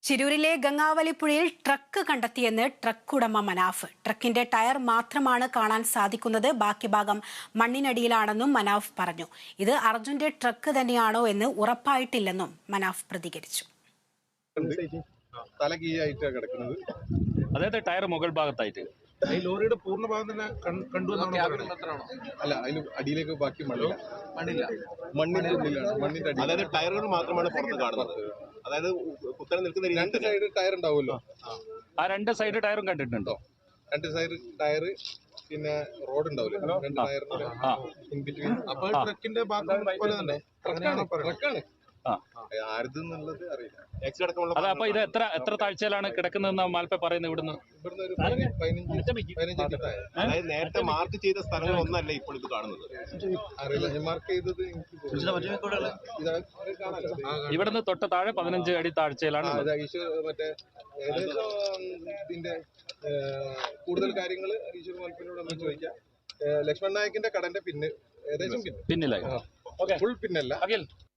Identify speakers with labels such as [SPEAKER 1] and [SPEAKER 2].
[SPEAKER 1] ചിരൂരിലെ ഗംഗാവലിപ്പുഴയിൽ truck കണ്ടെത്തിയെന്ന് truck ഉടമ Manaf. ട്രക്കിന്റെ tyre മാത്രമാണ് കാണാൻ സാധിക്കുന്നത്, ബാക്കി ഭാഗം മണ്ണിനടിയിലാണെന്നും മനാഫ് പറഞ്ഞു. ഇത് അർജുന്റെ ട്രക്ക് തന്നെയാണോ എന്ന് ഉറപ്പായിട്ടില്ലെന്നും മനാഫ് പ്രതികരിച്ചു.
[SPEAKER 2] അതായത് ടയർ മുകൾ ഭാഗത്തായിട്ട്
[SPEAKER 3] ഈ ലോറിയുടെ പൂർണ്ണ ഭാഗം തന്നെ കണ്ടു
[SPEAKER 4] അല്ല, അതിന് അടിയിലേക്ക് ബാക്കി മണ്ണിന്റെ ഉള്ളിലാണ്.
[SPEAKER 5] അതായത് ടയറുകൾ മാത്രമാണ് പുറത്ത് കാണുന്നത്. അതായത് കുത്തനെ നിൽക്കുന്ന
[SPEAKER 4] രണ്ട് സൈഡ് ടയർ ഉണ്ടാവുമല്ലോ,
[SPEAKER 2] ആ രണ്ട് സൈഡ് ടയറും കണ്ടിട്ടുണ്ടോ?
[SPEAKER 4] രണ്ട് സൈഡ് ടയർ, പിന്നെ റോഡ് ഉണ്ടാവില്ല, രണ്ട് ടയറിന്റെ ഇൻ ബിറ്റ്വീൻ.
[SPEAKER 3] അപ്പൊ ട്രക്കിന്റെ ഭാഗം പോലെ തന്നെ
[SPEAKER 4] ട്രക്കാണ്. ആരുതെന്നുള്ളത് അറിയില്ല.
[SPEAKER 2] അതെ, അപ്പൊ ഇത് എത്ര താഴ്ചയിലാണ് കിടക്കുന്നതെന്ന് മാൽപ്പ പറയുന്നത്? ഇവിടുന്ന്
[SPEAKER 4] ഒരു 15 അടി താഴെ.
[SPEAKER 5] അതായത് നേരത്തെ മാർക്ക് ചെയ്ത സ്ഥലങ്ങളൊന്നല്ല ഇപ്പോൾ ഇത് കാണുന്നത്.
[SPEAKER 4] അറിയില്ല, ഞാൻ മാർക്ക് ചെയ്തത്
[SPEAKER 2] ഇവിടുന്ന് തൊട്ട് താഴെ 15 അടി താഴ്ചയിലാണ്.
[SPEAKER 4] മറ്റേ ഏകദേശം ഇതിന്റെ കൂടുതൽ കാര്യങ്ങൾ ഈശ്വർ മൽപ്പിനോട് ഒന്ന് ചോദിക്കാം. ലക്ഷ്മൺ നായകിന്റെ കടന്റെ ഏകദേശം
[SPEAKER 2] പിന്നിലായി
[SPEAKER 4] ഫുൾ പിന്നല്ല.